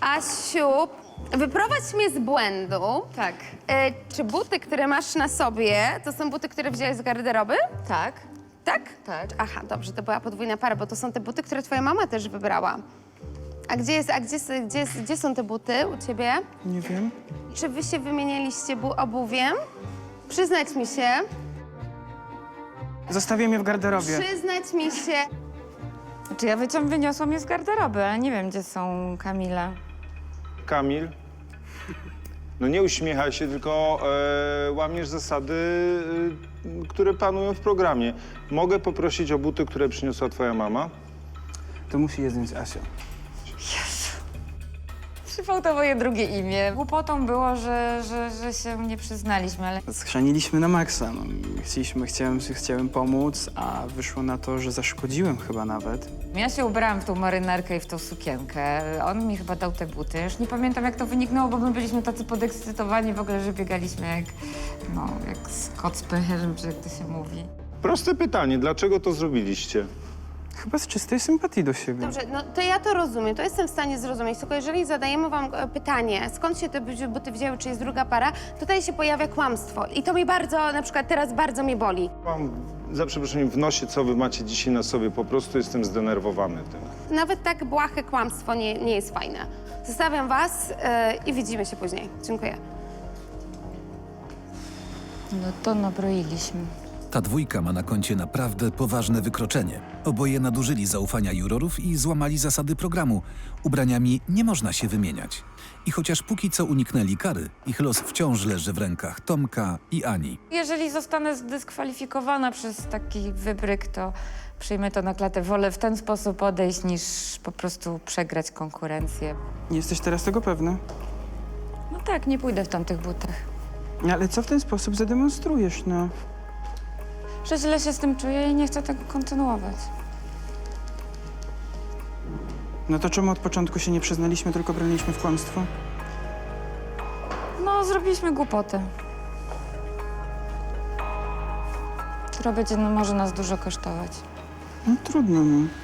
Asiu, wyprowadź mnie z błędu. Tak. Czy buty, które masz na sobie, to są buty, które wziąłeś z garderoby? Tak. Tak? Tak. Aha, dobrze, to była podwójna para, bo to są te buty, które twoja mama też wybrała. Gdzie są te buty u ciebie? Nie wiem. Czy wy się wymienialiście obuwiem? Przyznać mi się. Zostawiłem je w garderobie. Przyznać mi się. Znaczy ja wyniosłam je z garderoby, ale nie wiem, gdzie są Kamila. Kamil, no nie uśmiechaj się, tylko łamiesz zasady, które panują w programie. Mogę poprosić o buty, które przyniosła twoja mama? To musi je zdjąć Asia. Przypał to moje drugie imię. Głupotą było, że się nie przyznaliśmy, ale... Schrzaniliśmy na maksa. No. Chciałem pomóc, a wyszło na to, że zaszkodziłem chyba nawet. Ja się ubrałam w tą marynarkę i w tą sukienkę. On mi chyba dał te buty. Już nie pamiętam, jak to wyniknęło, bo my byliśmy tacy podekscytowani w ogóle, że biegaliśmy jak kot z pęcherzem, czy jak to się mówi. Proste pytanie, dlaczego to zrobiliście? Chyba z czystej sympatii do siebie. Dobrze, no to ja to rozumiem, to jestem w stanie zrozumieć, tylko jeżeli zadajemy wam pytanie, skąd się te buty wzięły, czy jest druga para, tutaj się pojawia kłamstwo i to mnie bardzo, na przykład teraz bardzo mnie boli. Mam, za przeproszeniem, w nosie, co wy macie dzisiaj na sobie, po prostu jestem zdenerwowany tym. Nawet tak błahe kłamstwo nie jest fajne. Zostawiam was i widzimy się później. Dziękuję. No to nabroiliśmy. Ta dwójka ma na koncie naprawdę poważne wykroczenie. Oboje nadużyli zaufania jurorów i złamali zasady programu. Ubraniami nie można się wymieniać. I chociaż póki co uniknęli kary, ich los wciąż leży w rękach Tomka i Ani. Jeżeli zostanę zdyskwalifikowana przez taki wybryk, to przyjmę to na klatę. Wolę w ten sposób odejść, niż po prostu przegrać konkurencję. Nie jesteś teraz tego pewna? No tak, nie pójdę w tamtych butach. Ale co w ten sposób zademonstrujesz, no? Że źle się z tym czuję i nie chcę tego kontynuować. No to czemu od początku się nie przyznaliśmy, tylko broniliśmy w kłamstwo? No, zrobiliśmy głupotę. Która będzie może nas dużo kosztować. No trudno, no.